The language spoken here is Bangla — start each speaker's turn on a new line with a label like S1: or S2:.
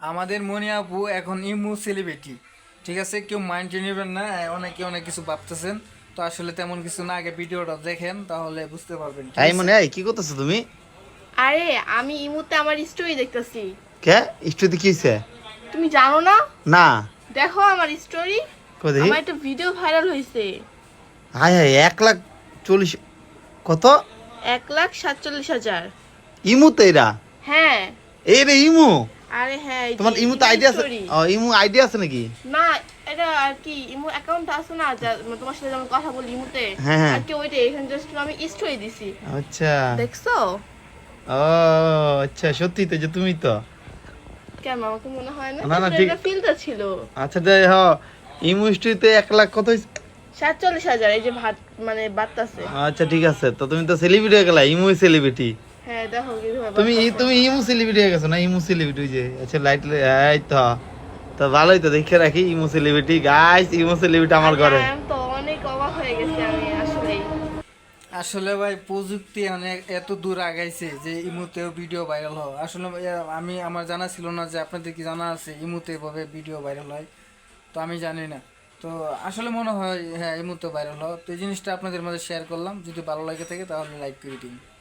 S1: আমাদের মনি আপু এখন ইমু সেলিব্রিটি। ঠিক আছে, কেউ মাইন্ডে নেবেন না, অনেকে অনেক কিছু ভাবতেছেন। তো আসলে তেমন কিছু না, আগে ভিডিওটা দেখেন তাহলে বুঝতে পারবেন। ঠিক
S2: এই
S1: আছে।
S2: মনে কি করতেছো তুমি?
S3: আরে আমি ইমুতে আমার স্টোরি দেখতেছি।
S2: কে স্টুডিও কি হইছে?
S3: তুমি জানো না?
S2: না,
S3: দেখো আমার স্টোরি।
S2: কই দেখি।
S3: আমার একটা ভিডিও ভাইরাল হয়েছে।
S2: হাই হাই 1,40,000 কত?
S3: 1,47,000।
S2: ইমুতে এরা?
S3: হ্যাঁ।
S2: এই রে ইমু?
S3: আরে হ্যাঁ, এই যে
S2: তোমার ইমুতে
S3: ইমু
S2: আইডিয়া আছে?
S3: স্টোরি।
S2: ও ইমু আইডিয়া আছে নাকি?
S3: না, এটা আর কি ইমু অ্যাকাউন্ট আছে না, তোমার সাথে যেমন কথা বলি ইমুতে।
S2: হ্যাঁ, হ্যাঁ।
S3: আর কি ওইটা এখানে জাস্ট আমি স্টোরি দিছি।
S2: আচ্ছা।
S3: দেখছো?
S2: ও আচ্ছা, সত্যি তো যে তুমি তো।
S3: কেন আমাকে মনে হয় না?
S2: না, না,
S3: কিন্তু
S2: ঠিক।
S3: এটা ফিল্টার ছিল।
S2: আচ্ছা দে ইমু স্টুডিওতে 1,00,000 কত হইছে?
S3: 47,000 এই যে ভাত মানে বাত্তাছে।
S2: আচ্ছা ঠিক আছে, তো তুমি তো সেলিব্রিটি হয়ে গেলা, ইমু সেলিব্রিটি।
S3: হ্যাঁ দেখো কিভাবে
S2: তুমি
S3: বাত্তাছে।
S2: তুমি ইমু সেলিব্রিটি হয়ে গেছো না? ইমু সেলিব্রিটি যে আচ্ছা লাইট, এই তো। তো ভালোই তো, দেখে রাখি Imo celebrity. Guys, Imo celebrity আমার ঘরে।
S3: আমি তো অনেক অবাক হয়ে গেছি আমি আসলেই।
S1: আসলে ভাই প্রযুক্তি অনেক এত দূর আগাইছে যে ইমুতেও ভিডিও ভাইরাল হয়। আসলে আমার জানা ছিল না যে আপনাদের কি জানা আছে ইমুতে এভাবে ভিডিও ভাইরাল হয়। তো আমি জানি না। তো আসলে মনে হয় হ্যাঁ ইমুতে ভাইরাল হয়। তো এই জিনিসটা আপনাদের মাঝে শেয়ার করলাম। যদি ভালো লাগে থাকে তাহলে লাইক করে দিন।